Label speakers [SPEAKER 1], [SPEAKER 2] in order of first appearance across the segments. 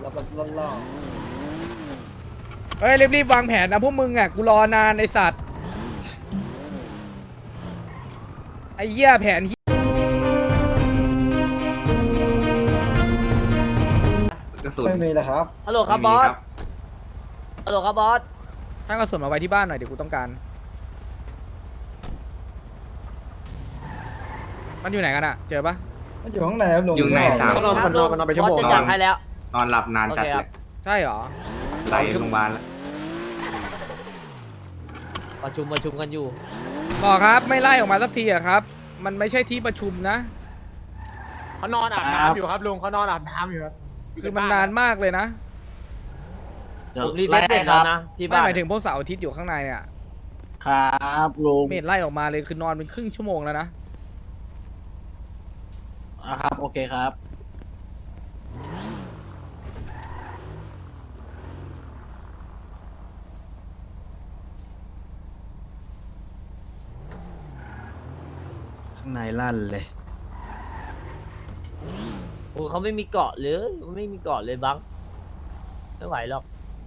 [SPEAKER 1] ขับแบบล่อ
[SPEAKER 2] เฮ้ยรีบๆวางแผนนะพวกมึงอ่ะกูรอนานไอสัตว์ไอ้เหี้ยแผน
[SPEAKER 3] กระ
[SPEAKER 1] ๆ
[SPEAKER 3] สุน
[SPEAKER 1] ไม่มีนะครับ
[SPEAKER 4] ฮัลโหลครับบอสฮัลโหลครับบอส
[SPEAKER 2] ถ้ากระสุนมาไว้ที่บ้านหน่อยเดี๋ยวกูต้องการมันอยู่ไหนกันอะเจอปะ
[SPEAKER 1] มันอยู่ข้างในครับลุง
[SPEAKER 3] อยู่ในสาม
[SPEAKER 4] ก็นอนมันไปชั่วโมงบอสจะจับให้แล้ว
[SPEAKER 3] นอนหลับนานจัด
[SPEAKER 4] โอเคค
[SPEAKER 3] เล
[SPEAKER 4] รับ
[SPEAKER 3] ย
[SPEAKER 2] ใช่เหรอ
[SPEAKER 3] ไหลโรงพยาบาลแล้ว
[SPEAKER 4] ประชุมกันอยู่
[SPEAKER 2] บอกครับไม่ไล่ออกมาสักทีอะครับ มันไม่ใช่ที่ประชุมนะ
[SPEAKER 5] เขานอนอาบน้ำอยู่ครับลุงเขานอนอาบน้ำอยู่ครับ
[SPEAKER 2] คือมันนานมากเลยนะ
[SPEAKER 4] ผมรีเซ็ตเสร็จแล้วนะที่
[SPEAKER 2] ไม่
[SPEAKER 4] บ้าน
[SPEAKER 2] หมายถึงพวกเสาร์อาทิตย์อยู่ข้างในเนี่ย
[SPEAKER 6] ครับลุง
[SPEAKER 2] ไม่เห็นไล่ออกมาเลยคือนอนเป็นครึ่งชั่วโมงแล้วนะ
[SPEAKER 6] ครับโอเคครับ
[SPEAKER 7] ข้างในลั่นเลย
[SPEAKER 4] โอ้เขาไม่มีเกาะเลยไม่มีเกาะเลยบังไม่ไหวหรอก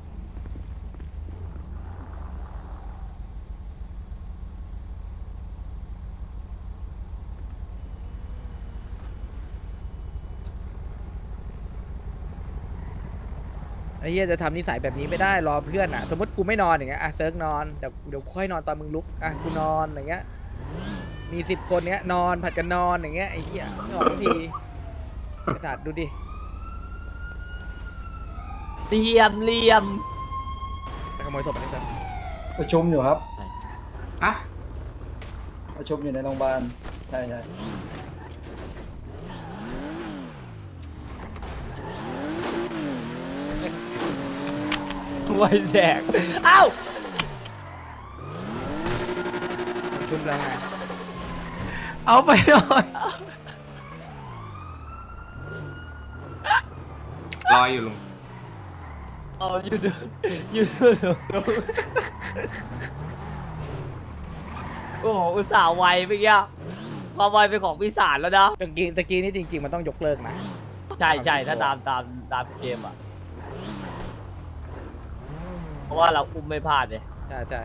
[SPEAKER 2] ไอ้เหี้ยจะทำนิสัยแบบนี้ไม่ได้รอเพื่อนอ่ะ สมมติกูไม่นอนอย่างเงี้ยอ่ะเซิร์กนอนแต่เดี๋ยวค่อยนอนตอนมึงลุกอ่ะกูนอนอย่างเงี้ยมี10 คนเนี้ยนอนผัดกันนอนอย่างเงี้ยไอ้เหี้ยไม่ออกทันทีไอ้สัตว์ดูดิ
[SPEAKER 4] เหลี่ยม
[SPEAKER 2] ไปขโมยศพอันนี้ซะ
[SPEAKER 1] ประชุมอยู่ครับ
[SPEAKER 3] อะ
[SPEAKER 1] ประชุมอยู่ในโรงพยาบาลใช่
[SPEAKER 4] ไวแสกเอ้า
[SPEAKER 2] ประชุมแล้วไง
[SPEAKER 7] เอาไปหน่อย
[SPEAKER 3] รออยู่ลุง
[SPEAKER 4] เอาอยู่เดินโอ้โหอุตส่าห์ไวไปเงี้ยความไวเป็นของปีศาจแล้วนะ
[SPEAKER 2] ตะกี้นี่จริงๆมันต้องยกเลิกนะ
[SPEAKER 4] ใช่ถ้าตามเกมอ่ะเพราะว่าเราอุ้มไม่พลาดเลย
[SPEAKER 2] ใช่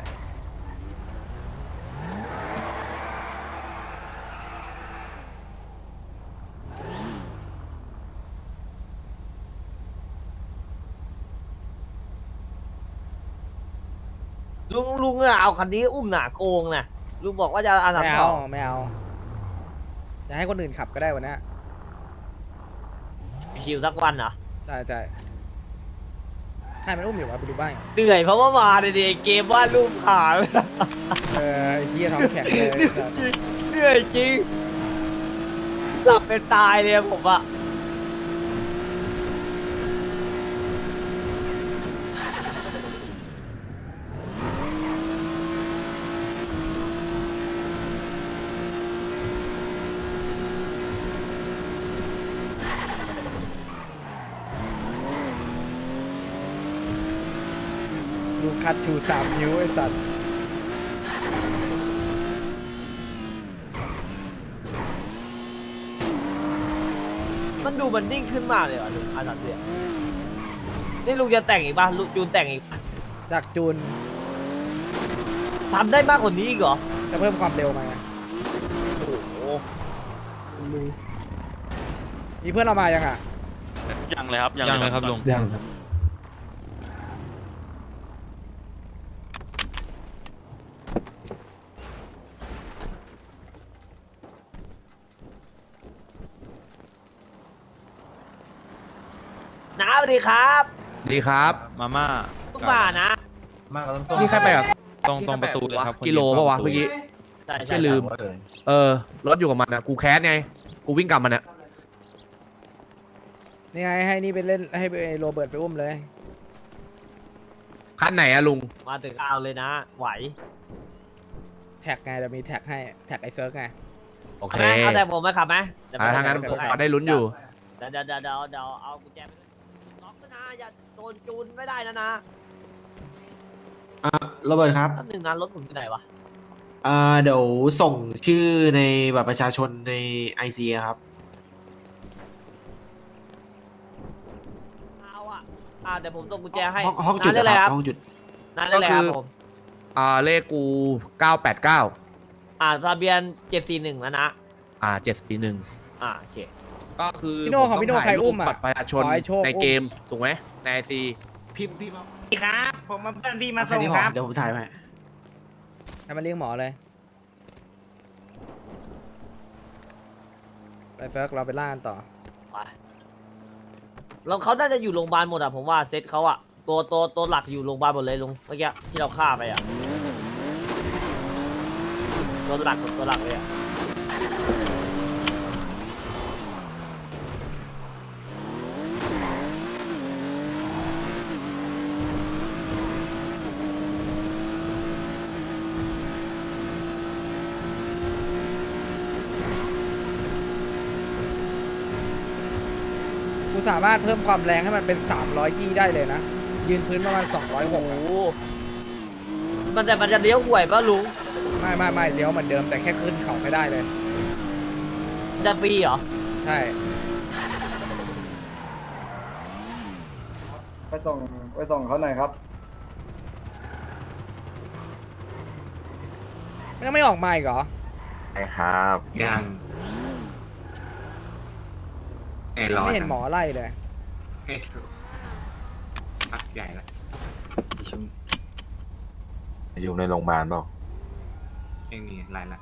[SPEAKER 4] ลุงอะเอาคันนี้อุ้มหนาโกงนะลุงบอกว่าจะเอา
[SPEAKER 2] ไม่
[SPEAKER 4] สาม
[SPEAKER 2] เอา
[SPEAKER 4] สอง
[SPEAKER 2] ไม่เอาจะให้คนอื่นขับก็ได้วันนี้
[SPEAKER 4] ชิวสักวันเหรอ
[SPEAKER 2] ใช่ใครมันอุ้มอยู่วะไปดูบ้าง
[SPEAKER 4] เหนื่อยเพราะว่ามาเลยดิเกมว่าดรูปขา
[SPEAKER 2] ไอ้เหี้ยท้องแข็งเลย
[SPEAKER 4] เหนื่อยจริงหลับเป็นตายเลยอะผมอะ
[SPEAKER 2] ดูคัดชู3 นิ้วไอ้สัตว์
[SPEAKER 4] มันดูมันนิ่งขึ้นมากเลยว่ะลุงอาสามเดือนนี่ลุงจะแต่งอีกป่ะลุงจูนแต่งอีก
[SPEAKER 2] จากจูน
[SPEAKER 4] ทำได้มากกว่านี้อีกเหรอ
[SPEAKER 2] จะเพิ่มความเร็วมาไง
[SPEAKER 4] โอ้โห
[SPEAKER 2] มีเพื่อนเรามายังอ่ะ
[SPEAKER 8] ยังเลยครับยังเลยครับลุง
[SPEAKER 7] ยังครับ
[SPEAKER 4] น้าสวัสดีครับ
[SPEAKER 7] ดีครับ
[SPEAKER 8] มาม่า
[SPEAKER 4] เพิ่งมานะ
[SPEAKER 7] นี่ใครไปอ่ะ
[SPEAKER 8] ตรงประตูเลยครับ
[SPEAKER 7] กิโลปะวะเมื่อกี้
[SPEAKER 4] ใช่
[SPEAKER 7] แค่ลืม รถอยู่กับมันนะกูแคสไง กูวิ่งกลับมันเนี่ย
[SPEAKER 2] นี่ไงให้นี่ไปเล่นให้ไปโรเบิร์ตไปอุ้มเลย
[SPEAKER 7] คันไหนอะลุง
[SPEAKER 4] มาถึงเอาเลยนะ ไหว
[SPEAKER 2] แท็กไงจะมีแท็กให้แท็กไอเซิร์กไง
[SPEAKER 7] โอเค
[SPEAKER 4] เอาแต่ผมไหมขับไหมเดี๋ยว
[SPEAKER 7] ถ้างั้น
[SPEAKER 4] เดี๋
[SPEAKER 7] ผ
[SPEAKER 4] ยว
[SPEAKER 7] มก็ได้ลุ้นอยู่
[SPEAKER 4] เดี๋ยวเอากุญแจไปด้วยล็อกนะนะอย่าโดนจูนไม่ได้นะนะ
[SPEAKER 6] โรเบิร์ตครับ
[SPEAKER 4] แป๊บหนึงนะรถผมอยู่ไหนวะ
[SPEAKER 6] เดี๋ยวส่งชื่อในบัตรประชาชนในไอซีครับ
[SPEAKER 4] เอาอะเดี๋ยวผมส่งกุญแจให้
[SPEAKER 6] ห้องจุด
[SPEAKER 4] นั่น
[SPEAKER 6] นะ
[SPEAKER 4] เลย
[SPEAKER 6] ค
[SPEAKER 4] ค
[SPEAKER 6] รั
[SPEAKER 4] รั
[SPEAKER 6] บบ ห้องจุด
[SPEAKER 4] นั่นเลยครับผม
[SPEAKER 7] เลขกู989
[SPEAKER 4] ทะเบียน741แล้วนะ
[SPEAKER 7] 741
[SPEAKER 4] โอเค
[SPEAKER 7] ก็คือ
[SPEAKER 2] พี่โน่ของพี่โน่
[SPEAKER 7] ผมต้
[SPEAKER 2] ใครอุ้มอะ
[SPEAKER 7] บัตรประชาชน
[SPEAKER 2] ขอให้โชค
[SPEAKER 7] ใน
[SPEAKER 2] อุ้ม
[SPEAKER 7] เกมถูกไหมในไอซี
[SPEAKER 6] พิมพ์พี่มา
[SPEAKER 9] ครับผมมาเพื่อนพี่มา
[SPEAKER 6] แค่
[SPEAKER 9] ส่ง
[SPEAKER 6] นี้พ
[SPEAKER 9] ค
[SPEAKER 6] อ
[SPEAKER 9] รับ
[SPEAKER 6] เดี๋ยวผมถ่ายให้
[SPEAKER 2] ให้มันเรียกหมอเลยไปเฟิร์กเราไปล่ากันต่อ
[SPEAKER 4] ไปแล้วเขาน่าจะอยู่โรงพยาบาลหมดผมว่าเซตเขาตัวหลักอยู่โรงพยาบาลหมดเลยลุงเมื่อกี้ที่เราฆ่าไปตัวหลักเลย
[SPEAKER 2] กูสามารถเพิ่มความแรงให้มันเป็น300ยี่ได้เลยนะยืนพื้นประมาณ206
[SPEAKER 4] โอ้โหมันจะเลี้ยวห่วยป่ะลุง
[SPEAKER 2] ไม่เลี้ยวเหมือนเดิมแต่แค่ขึ้นเขาไม่ได้เลย
[SPEAKER 4] จะฟรีเหรอ
[SPEAKER 2] ใช่
[SPEAKER 1] ไปส่งเขาหน่อยครับ
[SPEAKER 2] ยังไม่ออกมาอีกเหรอ
[SPEAKER 3] ยังรอ
[SPEAKER 2] ไม่เห็นหมอไล่เลย
[SPEAKER 3] ให้ถูกพักใหญ่ละ
[SPEAKER 10] อยู่ในโรงพยาบาลเปล่า
[SPEAKER 3] ไม่มีไรละ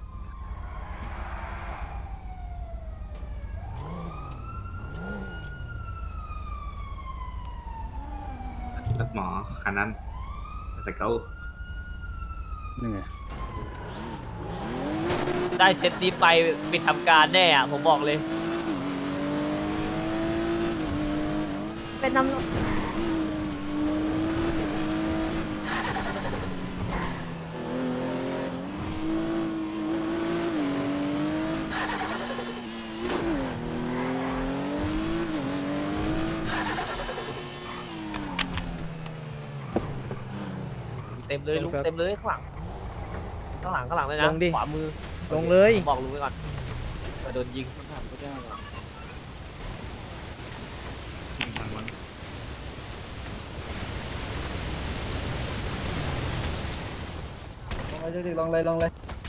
[SPEAKER 3] รถหมอคันนั้นแต่เขา
[SPEAKER 4] ได้เซตนี้ไปปิดทำการแน่ผมบอกเลย เป็นน้ำ เต็มเลยลุงเต็มเลยข้างหลังเลยนะ
[SPEAKER 2] ลงดิ
[SPEAKER 4] ขวามือ
[SPEAKER 2] ลงเลย
[SPEAKER 4] ผมบอกลุงไว้ก่อนมาโดนยิง
[SPEAKER 1] ลงเลย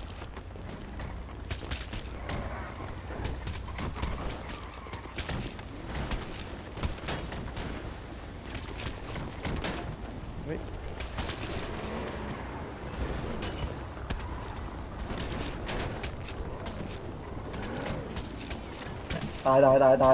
[SPEAKER 1] ตาย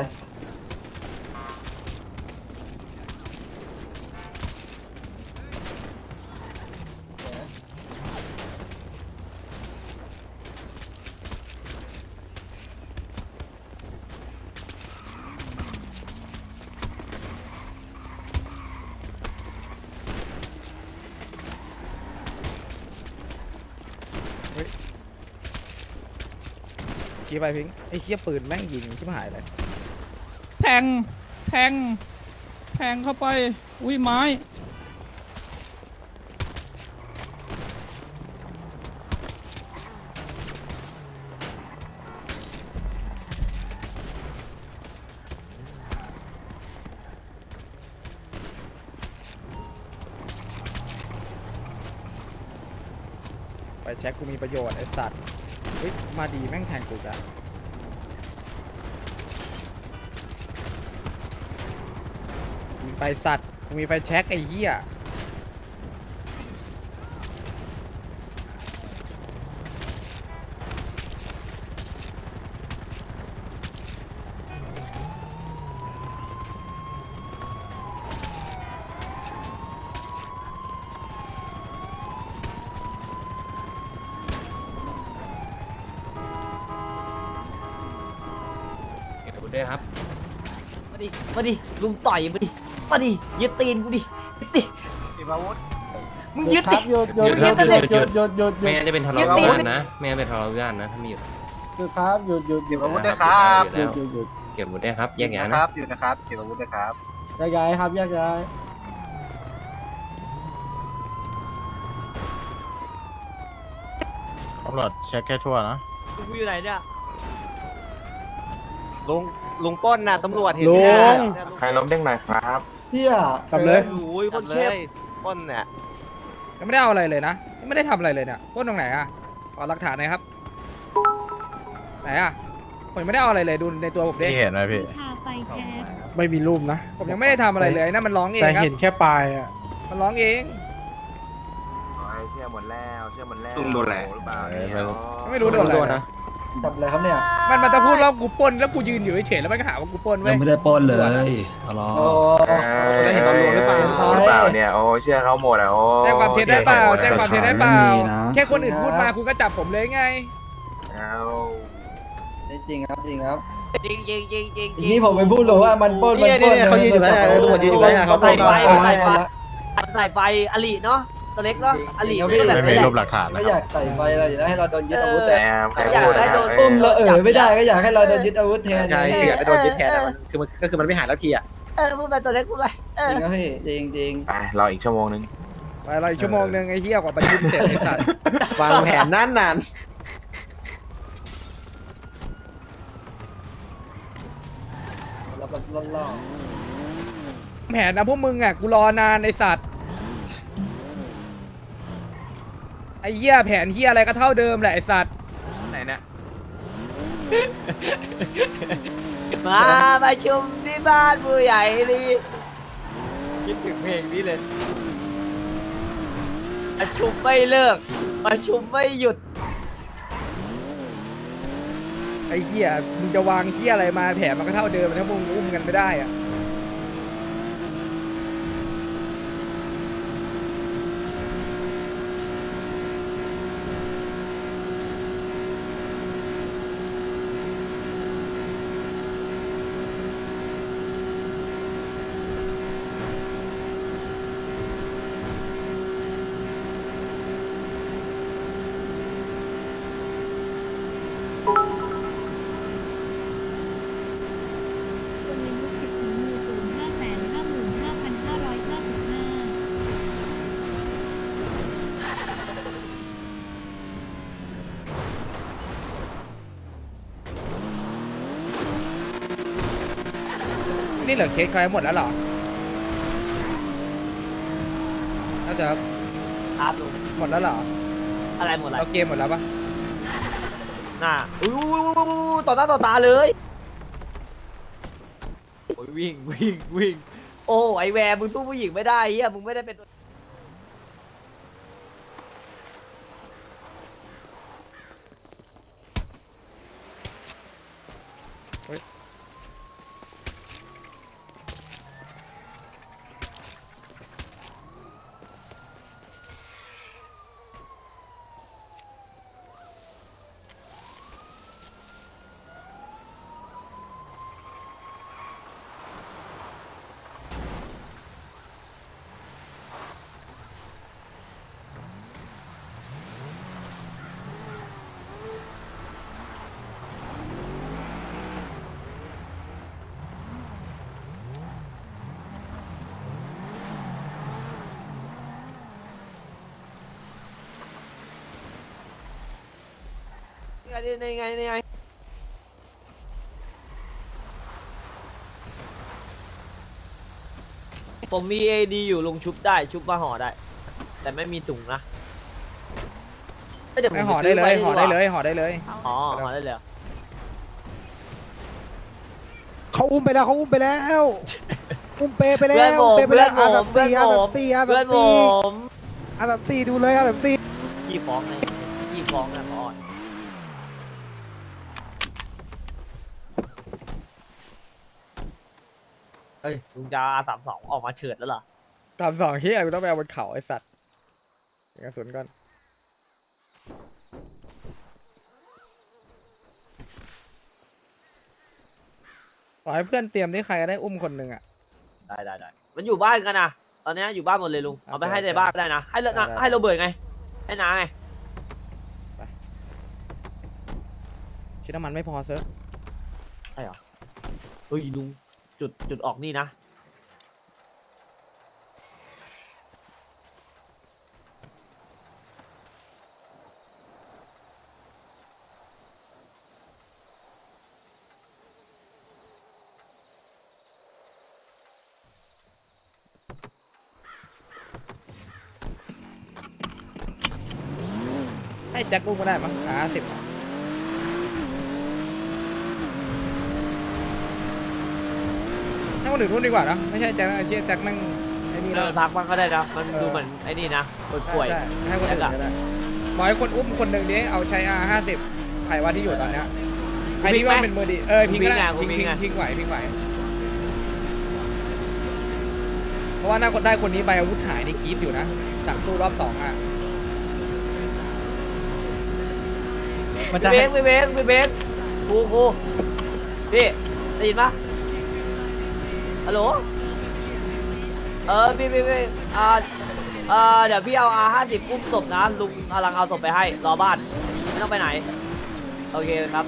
[SPEAKER 2] ชี้ไปพิงไอ้เคี้ยปืนแม่งยิงชิบหายเลย
[SPEAKER 9] แทงเข้าไป อุ้ยไม้
[SPEAKER 2] ไปเช็คกูมีประโยชน์ไอ้สัตว์เฮ้ยมาดีแม่งแทงกูจ้ะมีไฟสัตว์กูมีไฟแช็คไอ้เหี้ย
[SPEAKER 4] มาดิลุงต่อยมาดิยึดตีนกูดิยึดดิมึงยึดดิ
[SPEAKER 9] หยุด
[SPEAKER 4] ยึดดิ
[SPEAKER 7] ไม่งั้นจะเป็นทะเลาะวิวาทนะไม่งั้นเป็นทะเลาะวิวาทนะถ้ามีหยุด
[SPEAKER 9] ครับหยุด
[SPEAKER 7] เก็บอาวุธด้วยครับ
[SPEAKER 9] หยุด
[SPEAKER 7] เก็บอาวุธด้วยครับแยกย้ายนะ
[SPEAKER 10] อยู่นะครับเก็บอาวุธนะครับ
[SPEAKER 9] แยกย้ายครับแยกย้าย
[SPEAKER 8] ตำรวจเช็คแค่ทั่วนะ
[SPEAKER 4] กูอยู่ไหนเนี่ย
[SPEAKER 8] ลุง
[SPEAKER 4] ลุงป้นน่ะตำรวจเห็น
[SPEAKER 5] ลุง
[SPEAKER 10] ใครล้มเด้งหน่อยครับ
[SPEAKER 1] เฮีย
[SPEAKER 5] กลับเลย
[SPEAKER 4] โอ้ยคนเข้มป้นเนี่ย
[SPEAKER 2] ยังไม่ได้เอาอะไรเลยนะยังไม่ได้ทำอะไรเลยเนี่ยปล้นตรงไหนอะขอหลักฐานหน่อยครับไหนอะผมยังไม่ได้เอาอะไรเลยดูในตัวผมดิ
[SPEAKER 8] พี่เห็นไหมพี่
[SPEAKER 5] ไม่มีรูปนะ
[SPEAKER 2] ผมยังไม่ได้ทำอะไรเลยนั่นมันร้องเอง
[SPEAKER 5] แต่
[SPEAKER 2] ครับ
[SPEAKER 5] เห็นแค่ปลายอ่ะ
[SPEAKER 2] มันร้องเอง
[SPEAKER 10] เชื่อหมดแล้ว เชื่อหมดแล้ว
[SPEAKER 3] ลุงโดนแหละ
[SPEAKER 10] หรือเปล่าเนี่ย
[SPEAKER 2] ไม่รู้โดนอะไรนะ
[SPEAKER 1] จับอะไรครับเนี่ย
[SPEAKER 2] มันจะพูดว่ากูปล้นแล้วกูยืนอยู่เฉยๆแล้วมันก็หาว่ากูปล้นเว้
[SPEAKER 1] ยั
[SPEAKER 2] ย
[SPEAKER 1] งไม่ได้ปล้นเลยทะเลาะ
[SPEAKER 10] ได้เห็นตอนรวมหรือเปล่าหรือเปล่าเนี่ย โอ้เชื่อเขาหมดอ่ะโอ้
[SPEAKER 2] แจ้งความเท็จได้เปล่าแจ้งความเท็จได้เปล่า
[SPEAKER 1] ไม่มีนะ
[SPEAKER 2] แค่คนอื่นพูดมาคุณก็จับผมเลยไง
[SPEAKER 10] เอา
[SPEAKER 1] จริงครับจริงครับ
[SPEAKER 4] จริงจริงจริงจริง
[SPEAKER 1] ทีนี้ผมไปพูดเลยว่ามันปล้นมันปล้นเขายืนอยู่แล้วตำรวจยืนอยู่แล้วเขาปล้น
[SPEAKER 4] ใส่ไฟอลิเนาะตัวเล็กเนาะอลิ
[SPEAKER 1] ไม่
[SPEAKER 4] ไม่ได้แบบ
[SPEAKER 8] ไม่มี
[SPEAKER 4] นี้
[SPEAKER 8] รูปหลักฐานนะ
[SPEAKER 1] ไม่
[SPEAKER 8] ค
[SPEAKER 1] อ
[SPEAKER 8] รับ
[SPEAKER 1] ยากใส่ไฟเราอยากให้เราโดนยึดอาวุธ
[SPEAKER 10] แห
[SPEAKER 1] แต่
[SPEAKER 10] มใครพูดอะ
[SPEAKER 1] อุ้มแล้วไม่ได้ก็อยากให้เราโดนยึดอาวุธแทน
[SPEAKER 6] ใช่คืออยากให้โดนยึดแทนอะมันคือมันไม่หายแล้วทีอ่ะ
[SPEAKER 4] พูดไปตัวเล็กพูดไป
[SPEAKER 1] จริงครับพี่จริงจริง
[SPEAKER 10] ไปรออีกชั่วโมงนึง
[SPEAKER 2] ไปเราอีกชั่วโมงนึงไอ้เหี้ยกว่าประชุมเสร็จไอ้สัตว์
[SPEAKER 6] วางแผนนาน
[SPEAKER 1] เราแบบล่อ
[SPEAKER 2] แผนนะพวกมึงอ่ะกูรอนานไอ้สัตว์ไอ้เหี้ยแผนเหี้ยอะไรก็เท่าเดิมแหละไอ้สัตว์
[SPEAKER 3] ไหนเนี่ย
[SPEAKER 4] มาประชุมที่บ้านผู้ใหญ่ลีคิดถึงเพลงนี้เลยประชุมไม่เลิกประชุมไม่หยุด
[SPEAKER 2] ไอ้เหี้ยมึงจะวางเหี้ยอะไรมาแผนมันก็เท่าเดิมถ้ามึงอุ้มกันไม่ได้อ่ะนี่เหลือเคสใครหมดแล้วเหรอน่าจะ
[SPEAKER 4] ครับลุง
[SPEAKER 2] หมดแล้วเหรอ
[SPEAKER 4] อะไรหมดอะไร
[SPEAKER 2] เราเกมหมดแล้วปะ
[SPEAKER 4] น่ะต่อหน้าต่อตาเลยโอ้ยวิ่งวิ่งวิ่งโอ้ไอแวร์มึงตู้ผู้หญิงไม่ได้เฮียมึงไม่ได้เป็นนี่ไงผมมี AD อยู่ลงชุบได้ชุบมาห่อได้ แต่ไม่มีถุงนะเดี๋ยวผม
[SPEAKER 2] ไม่
[SPEAKER 4] ป
[SPEAKER 2] ห่อได้
[SPEAKER 4] ซื้
[SPEAKER 2] เล
[SPEAKER 4] ว้
[SPEAKER 2] ย
[SPEAKER 4] ดีก
[SPEAKER 2] ห่อ
[SPEAKER 4] ว่า
[SPEAKER 2] ได้เลยห่อได้เลย
[SPEAKER 4] อ๋อห่อได้เลยเหรอ
[SPEAKER 9] เขาอุ้มไปแล้วเขาอุ้มไปแล้ว อุ้มเปไปแล้
[SPEAKER 4] เพื่อน
[SPEAKER 9] ว
[SPEAKER 4] ผม
[SPEAKER 9] เปไป
[SPEAKER 4] เพื่อ
[SPEAKER 9] แล้
[SPEAKER 4] น
[SPEAKER 9] ว
[SPEAKER 4] ผม
[SPEAKER 9] อันดับ
[SPEAKER 4] เพื่อน
[SPEAKER 9] สี่อัน
[SPEAKER 4] ผ
[SPEAKER 9] ดับ
[SPEAKER 4] ม
[SPEAKER 9] สี่อัน
[SPEAKER 4] เพื่
[SPEAKER 9] ดั
[SPEAKER 4] อน
[SPEAKER 9] บ
[SPEAKER 4] ผ
[SPEAKER 9] สี่
[SPEAKER 4] ม
[SPEAKER 9] อันดับสี่ดูเลยอันดับสี่
[SPEAKER 4] ยี่ฟ้องไงยี่ฟ้องนะพออ่อนเฮ้ยลุงจะR32ออกมาเฉิดแล้วเหรอ
[SPEAKER 2] ตามสองเฮียกูต้องไปเอาบนเขาไอ้สัตว์เก็บกระสุนก่อนขอให้เพื่อนเตรียมที่ใครก็ได้อุ้มคนหนึ่งอ่ะ
[SPEAKER 4] ได้มันอยู่บ้านกันนะตอนนี้อยู่บ้านหมดเลยลุงเอาไปให้ในบ้านก็ได้นะให้นะให้โรเบิร์ตไงให้น้าไง
[SPEAKER 2] ชิ้นน้ำมันไม่พอเซิร์ฟ
[SPEAKER 4] ใช่เหรอเฮ้ยลุงจุดออกนี่นะ
[SPEAKER 2] ให้แจ็คอุ้มก็ได้มั้ง50ให้คนอื่นอุ้มดีกว่านะไม่ใช่แจ็คนะไอ้เชี่ยแจ็คแม่งไอ้นี่
[SPEAKER 4] เอ
[SPEAKER 2] แล้ว
[SPEAKER 4] อพักมันก็ได้นะมันดูเหมือนไอ้นี่นะป่วย
[SPEAKER 2] ใช่ให้คนอื่นก็ได้บอกให้คนอุ้มคนหนึ่งดิเอาใช้ R50 ใครว่าที่อยู่ตอนเนี้ยใครที่ว่าเป็นมือดีพิงก็ได้พิงไหวเพราะว่าน่าได้คนนี้ไปอาวุธหายนี่กรี๊ดอยู่นะสั่งสู้รอบ2อ่ะ
[SPEAKER 1] มันจะ
[SPEAKER 4] พี่เบสครูพี่ได้ยินปะฮัลโหลพี่เดี๋ยวพี่เอา R50 อุ้มศพนะลุงกำลังเอาศพไปให้รอบ้านไม่ต้องไปไหนโอเคครับ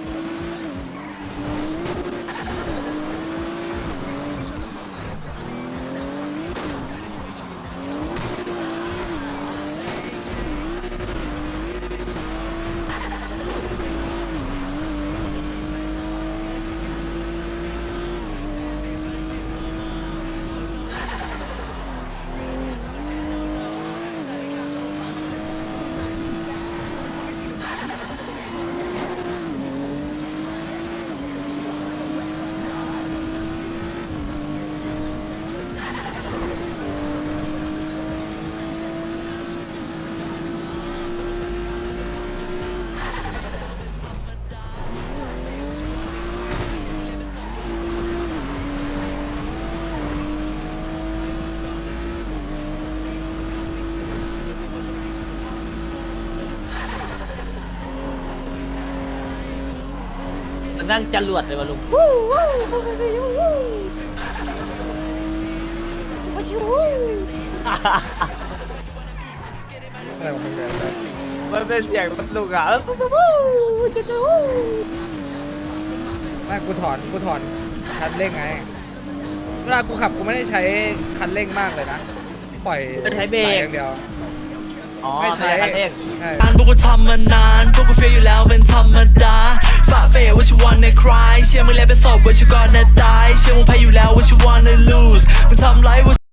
[SPEAKER 4] มันนั่งจรวดเลยวะลุง
[SPEAKER 2] อะไรของมึงเนี่ย
[SPEAKER 4] มันเป็นเสียงมันลุงอ่ะ
[SPEAKER 2] ไม่กูถอนคันเร่งไงเวลากูขับกูไม่ได้ใช้คันเร่งมากเลยนะปล่อย
[SPEAKER 4] ใช้เบรก
[SPEAKER 2] ไหลอย่างเดียว
[SPEAKER 4] อ๋อ
[SPEAKER 2] ไม่ใช้
[SPEAKER 4] คันเร่ง
[SPEAKER 2] ใช่
[SPEAKER 11] พวกกูทำมานาน พวกกูเฟียอยู่แล้วเป็นธรรมดาฝ่าเฟย what you wanna cry เชื่อมึงแล้วเป็นศพ what you gonna die เชื่อมึงแพ้อยู่แล้ว what you wanna lose มึงทำไร